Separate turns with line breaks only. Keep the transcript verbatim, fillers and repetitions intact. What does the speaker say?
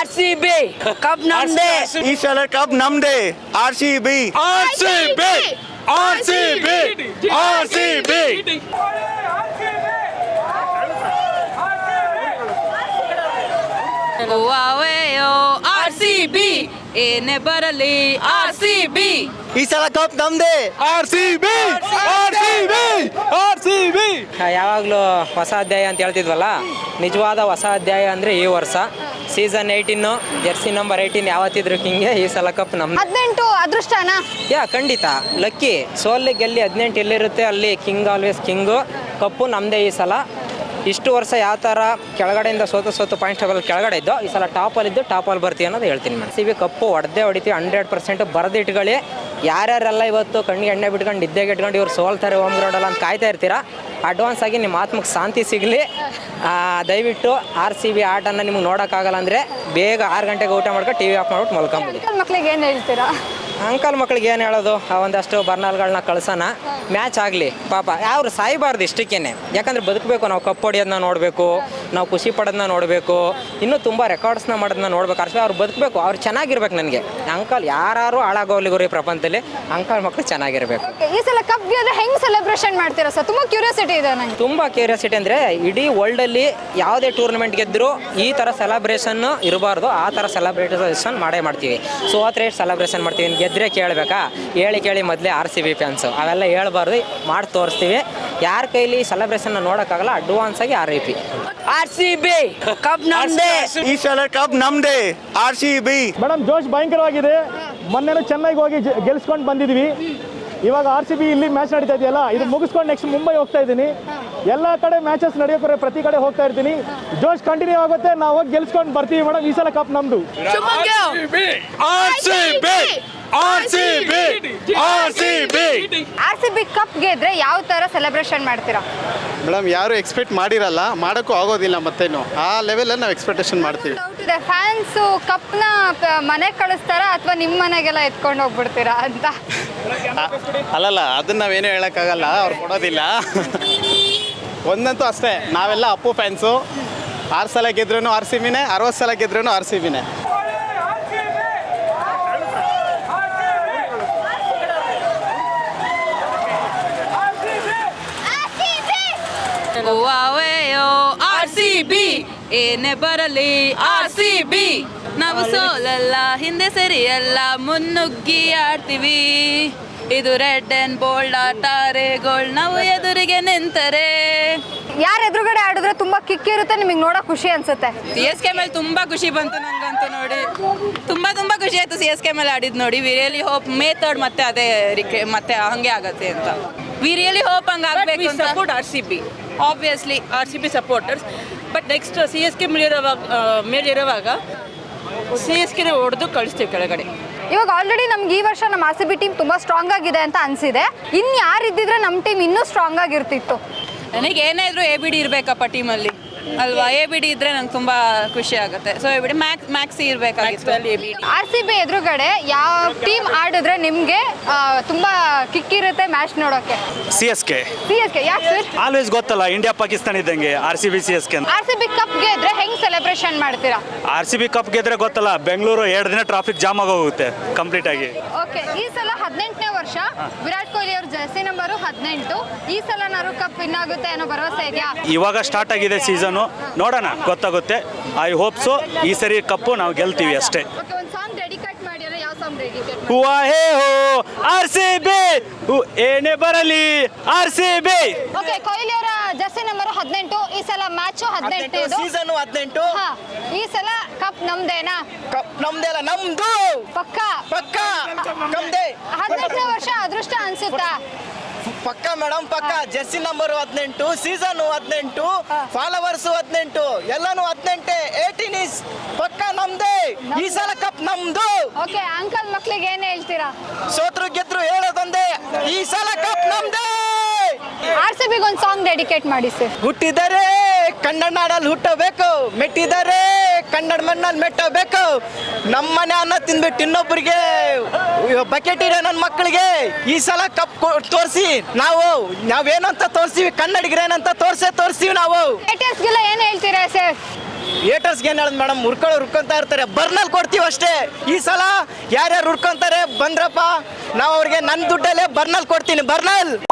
R C B cup ನಮ್ದೇ.
ಈ ಸಲ ಕಪ್ ನಮ್ದೇ. R C B
R C B R C B R C B
R C B ಏನೇ ಬರಲಿ R C B
ಈ ಸಲ ಕಪ್ ನಮ್ದೇ.
R C B R C B R C B
ಯಾವಾಗಲೂ ಹೊಸ ಅಧ್ಯಾಯ ಅಂತ ಹೇಳ್ತಿದ್ವಲ್ಲ, ನಿಜವಾದ ಹೊಸ ಅಧ್ಯಾಯ ಅಂದರೆ ಈ ವರ್ಷ season eighteen jersey number eighteen ಯಾವತ್ತಿದ್ರು ಕಿಂಗೆ ಈ ಸಲ ಕಪ್ ನಮ್ಮ
ಹದಿನೆಂಟು ಅದೃಷ್ಟನ.
ಯಾ ಖಂಡಿತ ಲಕ್ಕಿ ಸೋಲ್ಲಿ ಗೆಲ್ಲಿ ಹದಿನೆಂಟು ಎಲ್ಲಿರುತ್ತೆ ಅಲ್ಲಿ ಕಿಂಗ್ ಆಲ್ವೇಸ್ ಕಿಂಗು. ಕಪ್ಪು ನಮ್ಮದೇ ಈ ಸಲ. ಇಷ್ಟು ವರ್ಷ ಯಾವ ಥರ ಕೆಳಗಡೆಯಿಂದ ಸೋತು ಸೋತು ಪಾಯಿಂಟ್ ಟೇಬಲ್ ಕೆಳಗಡೆ ಇದ್ದು ಈ ಸಲ ಟಾಪಲ್ಲಿದ್ದು ಟಾಪಲ್ಲಿ ಬರ್ತೀವಿ ಅನ್ನೋದು ಹೇಳ್ತೀನಿ ನಾನು. ಸಿ ಬಿ ಕಪ್ಪು ಹೊಡೆದೇ ಹೊಡಿತೀವಿ ಹಂಡ್ರೆಡ್ ಪರ್ಸೆಂಟ್ ಬರೆದಿಟ್ಕೊಳ್ಳಿ. ಯಾರ್ಯಾರೆಲ್ಲ ಇವತ್ತು ಕಣ್ಣಿಗೆ ಎಣ್ಣೆ ಬಿಟ್ಕೊಂಡು ನಿದ್ದೆಗೆ ಇಟ್ಕೊಂಡು ಇವ್ರು ಸೋಲ್ತಾರೆ ಹೋಮ್ ಗ್ರೌಂಡಲ್ಲ ಅಂತ ಕಾಯ್ತಾ ಇರ್ತೀರಾ, ಅಡ್ವಾನ್ಸ್ ಆಗಿ ನಿಮ್ಮ ಆತ್ಮಕ್ಕೆ ಶಾಂತಿ ಸಿಗಲಿ. ದಯವಿಟ್ಟು ಆರ್ ಸಿ ಬಿ ಆಟನ ನಿಮ್ಗೆ ನೋಡೋಕ್ಕಾಗಲ್ಲ ಅಂದರೆ ಬೇಗ ಆರು ಗಂಟೆಗೆ ಊಟ ಮಾಡ್ಕೊಂಡು ಟಿ ವಿ ಆಫ್ ಮಾಡ್ಬಿಟ್ಟು ಮಲ್ಕೊಂಬಿಡಿ.
ಮಕ್ಳಿಗೆ ಏನು ಹೇಳ್ತೀರಾ?
ಅಂಕಲ್ ಮಕ್ಳಿಗೆ ಏನು ಹೇಳೋದು, ಆ ಒಂದಷ್ಟು ಬರ್ನಾಲ್ಗಳನ್ನ ಕಳ್ಸೋಣ, ಮ್ಯಾಚ್ ಆಗಲಿ ಪಾಪ. ಅವ್ರು ಸಾಯಬಾರ್ದು ಇಷ್ಟಕ್ಕೇನೆ, ಯಾಕಂದ್ರೆ ಬದುಕಬೇಕು. ನಾವು ಕಪ್ ಹೊಡಿಯೋದನ್ನ ನೋಡಬೇಕು, ನಾವು ಖುಷಿ ಪಡೋದನ್ನ ನೋಡಬೇಕು, ಇನ್ನೂ ತುಂಬ ರೆಕಾರ್ಡ್ಸ್ನ ಮಾಡೋದನ್ನ ನೋಡ್ಬೇಕು. ಅಷ್ಟೇ ಅವ್ರು ಬದುಕಬೇಕು, ಅವ್ರು ಚೆನ್ನಾಗಿರ್ಬೇಕು. ನನಗೆ ಅಂಕಲ್ ಯಾರು ಹಾಳಾಗೋಲಿ ಗುರಿ ಪ್ರಪಂಚದಲ್ಲಿ, ಅಂಕಲ್ ಮಕ್ಕಳು ಚೆನ್ನಾಗಿರ್ಬೇಕು.
ಈ ಸಲ ಕಪ್ ಗೆದ್ರೆ ಹೆಂಗ್ ಸೆಲೆಬ್ರೇಷನ್ ಮಾಡ್ತೀರಾ ಸರ್? ತುಂಬಾ ಕ್ಯೂರಿಯಾಸಿಟಿ ಇದೆ ನಂಗೆ.
ತುಂಬ ಕ್ಯೂರಿಯಾಸಿಟಿ ಅಂದರೆ ಇಡೀ ವರ್ಲ್ಡಲ್ಲಿ ಯಾವುದೇ ಟೂರ್ನಮೆಂಟ್ ಗೆದ್ದರೂ ಈ ಥರ ಸೆಲೆಬ್ರೇಷನ್ನು ಇರಬಾರ್ದು. ಆ ಥರ ಸೆಲೆಬ್ರೇಷನ್ ಮಾಡೇ ಮಾಡ್ತೀವಿ. ಸೋತ್ರೆ ಸೆಲೆಬ್ರೇಷನ್ ಮಾಡ್ತೀವಿ, ಗೆದ್ದರೆ ಕೇಳಬೇಕಾ? ಹೇಳಿ ಕೇಳಿ ಮೊದಲೇ ಆರ್ ಸಿ ಬಿ ಫ್ಯಾನ್ಸು ಅವೆಲ್ಲ ಹೇಳ್ಬಾರ್ದು, ಮಾಡಿ ತೋರಿಸ್ತೀವಿ. ಯಾರ ಕೈಲಿ ಸೆಲೆಬ್ರೇಷನ್ ನೋಡೋಕ್ಕಾಗಲ್ಲ, ಅಡ್ವಾನ್ಸ್ ಆಗಿ R I P.
R C B cup ನಮ್ದೇ.
ಈ ಸಲ ಕಪ್ ನಮ್ದೇ. ಆರ್ ಸಿ ಬಿ
ಮೇಡಮ್ ಜೋಶ್ ಭಯಂಕರವಾಗಿದೆ. ಮೊನ್ನೆನೂ ಚೆನ್ನಾಗಿ ಹೋಗಿ ಗೆಲ್ಸ್ಕೊಂಡು ಬಂದಿದ್ವಿ. ಇವಾಗ ಆರ್ ಸಿ ಬಿ ಇಲ್ಲಿ ಮ್ಯಾಚ್ ನಡೀತಾ ಇದೆಯಲ್ಲ, ಇದು ಮುಗಿಸ್ಕೊಂಡು ನೆಕ್ಸ್ಟ್ ಮುಂಬೈ ಹೋಗ್ತಾ ಇದ್ದೀನಿ. ಎಲ್ಲ ಕಡೆ ಮ್ಯಾಚಸ್ ನಡೆಯೋಕೆ ಪ್ರತಿ ಕಡೆ ಹೋಗ್ತಾ ಇರ್ತೀನಿ. ಜೋಶ್ ಕಂಟಿನ್ಯೂ ಆಗುತ್ತೆ, ನಾವು ಹೋಗಿ ಗೆಲ್ಸ್ಕೊಂಡು ಬರ್ತೀವಿ ಮೇಡಮ್. ಈ ಸಲ ಕಪ್ ನಮ್ದು.
R C B R C B R C B
R C B cup ಗೆದ್ರೆ ಯಾವ ತರ ಸೆಲೆಬ್ರೇಷನ್ ಮಾಡ್ತೀರಾ?
ಮೇಡಮ್ ಯಾರು ಎಕ್ಸ್ಪೆಕ್ಟ್ ಮಾಡಿರಲ್ಲ, ಮಾಡೋಕ್ಕೂ ಆಗೋದಿಲ್ಲ. ಮತ್ತೇನು ಆ ಲೆವೆಲಲ್ಲಿ ನಾವು ಎಕ್ಸ್ಪೆಕ್ಟೇಷನ್ ಮಾಡ್ತೀವಿ.
ಫ್ಯಾನ್ಸು ಕಪ್ನ ಮನೆಗೆ ಕಳಿಸ್ತಾರಾ ಅಥವಾ ನಿಮ್ಮ ಮನೆಗೆಲ್ಲ ಎತ್ಕೊಂಡು ಹೋಗ್ಬಿಡ್ತೀರಾ ಅಂತ?
ಅಲ್ಲಲ್ಲ, ಅದನ್ನ ನಾವೇನು ಹೇಳೋಕ್ಕಾಗಲ್ಲ, ಅವ್ರು ಕೊಡೋದಿಲ್ಲ. ಒಂದಂತೂ ಅಷ್ಟೇ, ನಾವೆಲ್ಲ ಅಪ್ಪು ಫ್ಯಾನ್ಸು. ಆರು ಸಲ ಗೆದ್ರೂ ಆರ್ ಸಿ ಬಿನೇ, ಅರವತ್ತು ಸಲ ಗೆದ್ರೂ ಆರ್ ಸಿ ಬಿನೇ.
ಆರ್ ಸಿ ಬಿ ಏನೇ ಬರಲಿ ಆರ್ ಸಿ ಬಿ ನಾವು ಸೋಲಲ್ಲ, ಹಿಂದೆ ಸರಿಯಲ್ಲ, ಮುನ್ನುಗ್ಗಿ ಆಡ್ತೀವಿ. ಇದು ರೆಡ್ ಅಂಡ್ ಬೋಲ್ಡ್ ಟಾರೆಗೋಳ್ ನಾವು ಎದುರಿಗೆ ನಿಂತರೆ.
ಯಾರ ಎದುರುಗಡೆ ಆಡಿದ್ರೆ ತುಂಬಾ ಕಿಕ್ ಇರುತ್ತೆ, ನಿಮಗೆ ನೋಡೋಕೆ ಖುಷಿ ಅನ್ಸುತ್ತೆ?
ಸಿ ಎಸ್ ಕೆ ಮೇಲೆ ತುಂಬಾ ಖುಷಿ ಬಂತು ನಂಗಂತೂ ನೋಡಿ. ತುಂಬಾ ತುಂಬಾ ಖುಷಿ ಆಯ್ತು ಸಿ ಎಸ್ ಕೆ ಮೇಲೆ ಆಡಿದ್ ನೋಡಿ. We really hope May third ಮತ್ತೆ ಅದೇ ಮತ್ತೆ ಹಂಗೆ ಆಗತ್ತೆ ಅಂತ. ವಿ ರಿಯಲಿ ಹೋಪ್ ಹಂಗೆ ಆಗಬೇಕು ಅಂತ.
Support R C B, obviously R C B supporters. But next C S K ಮೇಲಿರುವಾಗ ಮೇಲಿರುವಾಗ ಸಿ ಎಸ್ ಕೆನ ಹೊಡೆದು ಕಳಿಸ್ತೀವಿ ಕೆಳಗಡೆ.
ಇವಾಗ ಆಲ್ರೆಡಿ ನಮ್ಗೆ ಈ ವರ್ಷ ನಮ್ಮ ಆರ್ ಸಿ ಬಿ ಟೀಮ್ ತುಂಬಾ ಸ್ಟ್ರಾಂಗ್ ಆಗಿದೆ ಅಂತ ಅನ್ಸಿದೆ. ಇನ್ ಯಾರು ಇದ್ದಿದ್ರೆ ನಮ್ಮ ಟೀಮ್ ಇನ್ನೂ ಸ್ಟ್ರಾಂಗ್ ಆಗಿರ್ತಿತ್ತು.
ನನಗೆ ಏನೇ ಇದ್ರು ಎ ಬಿ ಡಿ ಇರಬೇಕಪ್ಪ ಟೀಮಲ್ಲಿ ಅಲ್ವಾ? ಎ ಬಿ ಡಿ ಇದ್ರೆ ನಂಗೆ ತುಂಬಾ ಖುಷಿ ಆಗುತ್ತೆ. So A B D Max Maxi ಇರಬೇಕಾಗಿತ್ತು.
ಆರ್ ಸಿ ಬಿ ಎದುರುಗಡೆ ಯಾವ ಟೀಮ್ ಆಡಿದ್ರೆ ನಿಮಗೆ ತುಂಬಾ ಕಿಕ್ ಇರುತ್ತೆ ಮ್ಯಾಚ್ ನೋಡೋಕೆ?
C S K.
C S K ಯಾಕೆ ಸರ್?
ಆಲ್ವೇಸ್ ಗೊತ್ತಲ್ಲ, ಇಂಡಿಯಾ ಪಾಕಿಸ್ತಾನ ಇದ್ದಂಗೆ R C B C S K.
R C B cup ಗೆದ್ರೆ ಹೆಂಗ್ ಸೆಲೆಬ್ರೇಷನ್ ಮಾಡ್ತೀರಾ?
ಆರ್ ಸಿ ಬಿ ಕಪ್ ಗೆದ್ರೆ ಗೊತ್ತಲ್ಲ, ಬೆಂಗಳೂರು ಎರಡು ದಿನ ಟ್ರಾಫಿಕ್ ಜಾಮ್ ಆಗೋಗುತ್ತೆ ಕಂಪ್ಲೀಟ್ ಆಗಿ.
ಓಕೆ, ಈ ಸಲ ಹದಿನೆಂಟನೇ ವರ್ಷ ವಿರಾಟ್ ಕೊಹ್ಲಿ ಅವ್ರ ಜರ್ಸಿ ನಂಬರು ಹದಿನೆಂಟು. ಈ ಸಲ ನಾರು ಕಪ್ ವಿನ್ ಆಗುತ್ತೆ ಅನ್ನೋ ಭರವಸೆ ಇದೆಯಾ?
ಇವಾಗ ಸ್ಟಾರ್ಟ್ ಆಗಿದೆ ಸೀಸನು, ನೋಡೋಣ, ಗೊತ್ತಾಗುತ್ತೆ. ಐ ಹೋಪ್ ಸೊ ಈ ಸರಿ ಕಪ್ಪು ನಾವು ಗೆಲ್ತೀವಿ ಅಷ್ಟೇ.
ಓಕೆ, ಒಂದು ಸಾಂಗ್ ಡೆಡಿಕೇಟ್ ಮಾಡಿದ್ರೆ ಯಾವ ಸಾಂಗ್ ಡೆಡಿಕೇಟ್?
ಹೂವಾ ಹೇ ಹೋ ಆರ್ ಸಿ ಬಿ, ಏನೇ ಬರಲಿ R C B.
Okay, Kohli ಅವರ ಜರ್ಸಿ ನಂಬರ್ ಹದಿನೆಂಟು. ಈ ಸಲ ಮ್ಯಾಚು ಹದಿನೆಂಟು,
ಸೀಸನ್ ಹದಿನೆಂಟು.
ಹಾ, ಈ ಸಲ ಕಪ್ ನಮ್ದೇನಾ?
ಕಪ್ ನಮ್ದೇ ಅಲ್ಲ, ನಮ್ದು.
ಪಕ್ಕ
ಪಕ್ಕ ನಮ್ದೇ.
ಹದಿನೆಂಟನೇ ವರ್ಷ ಅದೃಷ್ಟ ಅನ್ಸುತ್ತಾ?
ಪಕ್ಕ ಮೇಡಮ್, ಪಕ್ಕ. ಜೆರ್ಸಿ ನಂಬರ್ ಹದಿನೆಂಟು, ಸೀಸನ್ ಹದಿನೆಂಟು, ಫಾಲೋವರ್ಸ್ ಹದಿನೆಂಟು, ಎಲ್ಲಾನು ಹದಿನೆಂಟೆ. ಏಟೀನ್ ಇಸ್ ಪಕ್ಕ ನಮ್ದೇ. ಈ ಸಲ ಕಪ್ ನಮ್ದು.
ಓಕೆ, ಅಂಕಲ್ ಮಕ್ಳಿಗೆ ಏನ್ ಹೇಳ್ತೀರಾ?
ಸೋತ್ರು ಗೆದ್ರು ಹೇಳೋದೊಂದೇ, ಈ ಸಲ ಕಪ್ ನಮ್ದೇ.
ಆರ್ ಸಿ ಬಿಗೆ ಒಂದು ಸಾಂಗ್ ಡೆಡಿಕೇಟ್ ಮಾಡಿ ಸರ್.
ಹುಟ್ಟಿದರೆ ಕನ್ನಡ ನಾಡಲ್ಲಿ ಹುಟ್ಟಬೇಕು, ಮೆಟ್ಟಿದರೆ ಕನ್ನಡ ಮಣ್ಣಲ್ಲಿ ಮೆಟ್ಟಬೇಕು. ನಮ್ಮನೆ ಅನ್ನ ತಿಂದ್ಬಿಟ್ಟು ಇನ್ನೊಬ್ಬರಿಗೆ ಬಕೆಟ್ ಇರೋ ನನ್ನ ಮಕ್ಕಳಿಗೆ ಈ ಸಲ ಕಪ್ ತೋರಿಸಿ ನಾವು ನಾವೇನಂತ ತೋರಿಸ್ತೀವಿ, ಕನ್ನಡಿಗರೇನಂತ ತೋರಿಸೇ ತೋರಿಸ್ತೀವಿ ನಾವು.
ಏಟಿಎಸ್ಗೆಲ್ಲ ಏನು ಹೇಳ್ತೀರಾ ಸರ್?
ಏಟರ್ಸ್ಗೆ ಏನು ಹೇಳೋದು ಮೇಡಮ್, ಹುರ್ಕೊಳ್ಳೋ ಹುರ್ಕೊಂತಾ ಇರ್ತಾರೆ. ಬರ್ನಲ್ಲಿ ಕೊಡ್ತೀವಿ ಅಷ್ಟೇ. ಈ ಸಲ ಯಾರ್ಯಾರು ಹುರ್ಕೊಂತಾರೆ ಬಂದ್ರಪ್ಪ, ನಾವು ಅವ್ರಿಗೆ ನನ್ನ ದುಡ್ಡಲ್ಲೇ ಬರ್ನಲ್ಲಿ ಕೊಡ್ತೀನಿ. ಬರ್ನಲ್